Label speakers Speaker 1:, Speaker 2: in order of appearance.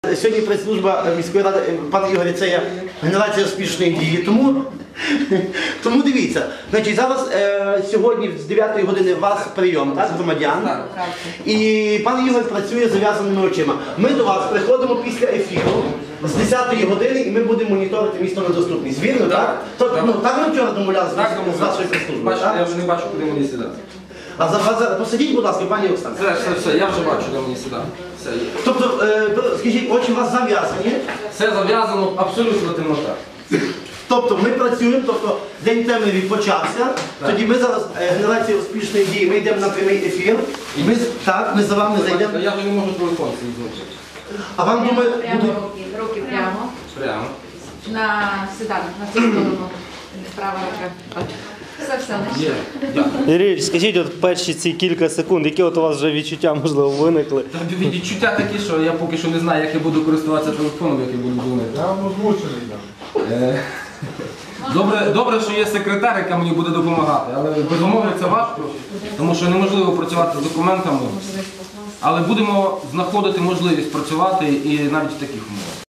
Speaker 1: сьогодні прес-служба міської ради, пане Ігорі, це є генерація успішної дії. Тому дивіться, значить, зараз сьогодні з 9 години у вас прийом, так, громадян. І пан Ігор працює з зав'язаними очима. Ми до вас приходимо після ефіру з 10 години і ми будемо моніторити місто на доступність. Вірно, так? Тобто, так ми вчора домовлялися з вашою прес-службою, так?
Speaker 2: Я вже не бачу, куди мені сідати.
Speaker 1: А зараз посадіть, будь ласка, пані Оксана.
Speaker 2: Все, я вже бачу, де мені сідати.
Speaker 1: Тобто, скажіть, очі у вас зав'язані?
Speaker 2: Все зав'язано, абсолютно темнота.
Speaker 1: Тобто ми працюємо, тобто день темряві почався, тоді ми зараз, генерація успішної дії, ми йдемо на прямий ефір, ми за вами зайдемо.
Speaker 2: Я вже не можу телефон свій злучити.
Speaker 1: А вам думаю,
Speaker 3: руки прямо.
Speaker 2: Прямо.
Speaker 3: На сіданок, на цю сторону. Права рука. Все, не
Speaker 2: Є, дякую.
Speaker 4: Юрій, скажіть, от перші ці кілька секунд, які от у вас вже відчуття, можливо, виникли?
Speaker 2: Відчуття такі, що я поки що не знаю, як я буду користуватися телефоном, як я буду дзвонити.
Speaker 5: Я вам озвучений, так.
Speaker 2: Добре, що є секретар, яка мені буде допомагати, але безумовно це важко, тому що неможливо працювати з документами, але будемо знаходити можливість працювати і навіть в таких умовах.